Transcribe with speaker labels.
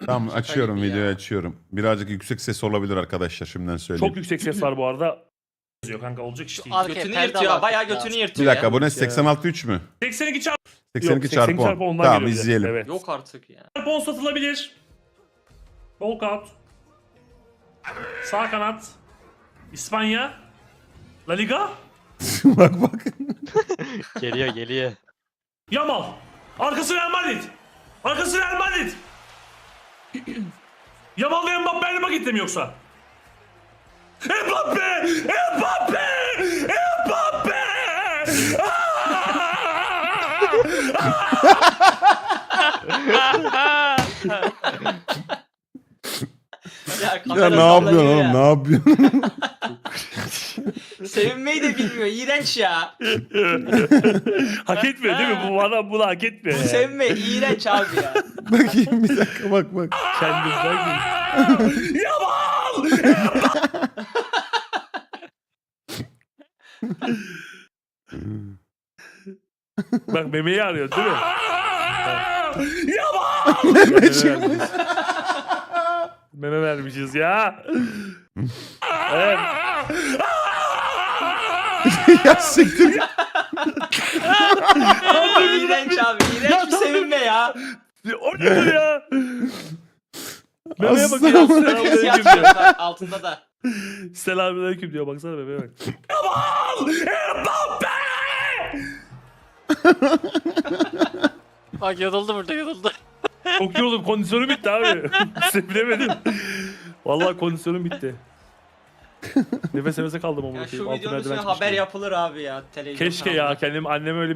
Speaker 1: Tamam
Speaker 2: Şaka
Speaker 1: açıyorum
Speaker 2: gibi ya.
Speaker 1: videoyu açıyorum. Birazcık yüksek ses olabilir arkadaşlar şimdiden söyleyeyim.
Speaker 3: Çok yüksek ses var bu arada. Yazıyor kanka olacak iş değil.
Speaker 4: Arkaya
Speaker 2: Götünü
Speaker 4: perde
Speaker 2: yırtıyor.
Speaker 4: al
Speaker 2: Bayağı
Speaker 4: artık ya.
Speaker 2: götünü
Speaker 1: Bir
Speaker 2: yırtıyor
Speaker 1: dakika
Speaker 2: ya.
Speaker 1: bu ne 86.3 mü?
Speaker 3: 82 çarpı
Speaker 1: 82
Speaker 3: Yok,
Speaker 1: çarpı
Speaker 3: 80
Speaker 1: 10.
Speaker 3: çarpı ondan
Speaker 1: Tamam
Speaker 3: geliyor bir de.
Speaker 1: izleyelim.
Speaker 3: Evet.
Speaker 2: Yok artık ya.
Speaker 3: Çarpı 10 satılabilir. Walkout. Sağ kanat. İspanya. La Liga.
Speaker 1: Bak bak.
Speaker 4: Geliyor.
Speaker 3: Yamal. Arkası Real Madrid. Arkası Real Madrid. Yamal ve Mbappe'yle mi gittim yoksa? Mbappe! Mbappe! Mbappe!
Speaker 2: Ya,
Speaker 1: Ya
Speaker 2: kamera
Speaker 1: ne yapıyorsun
Speaker 2: sallanıyor
Speaker 1: oğlum
Speaker 2: ya.
Speaker 1: ne yapıyorsun?
Speaker 2: Sevinmeyi de bilmiyor. İğrenç ya.
Speaker 3: Hak etmiyor değil mi? Bu adam bunu hak etmiyor
Speaker 2: Bu
Speaker 3: yani.
Speaker 2: sevme iğrenç abi ya.
Speaker 1: Bakayım bir dakika bak bak.
Speaker 3: Kendimden gül. Yamal! Bak memeyi arıyor değil mi? Yamal!
Speaker 1: Meme çıkmış.
Speaker 3: Meme vermişiz ya. Evet.
Speaker 1: Ya siktir.
Speaker 2: İğrenç abi. İğrenç bir sevinme ya.
Speaker 3: O nedir ya? Memeye
Speaker 1: Aslan
Speaker 3: bakıyor.
Speaker 1: amına
Speaker 2: Kız
Speaker 3: Selamünaleyküm
Speaker 2: yatıyor
Speaker 3: diyor.
Speaker 2: bak altında da.
Speaker 3: Selamünaleyküm diyor. Baksana memeye bak. Yamal! Mbappe!
Speaker 4: Bak yadıldı burada.
Speaker 3: Çok iyi oldum. Kondisyonum bitti abi. Bilemedim. Vallahi kondisyonum bitti. Nefes nefese kaldım ama.
Speaker 2: Ya şu videonun üstüne haber yapılır abi ya. Televizyon
Speaker 3: Keşke
Speaker 2: kanalında.
Speaker 3: ya. Kendim anneme öyle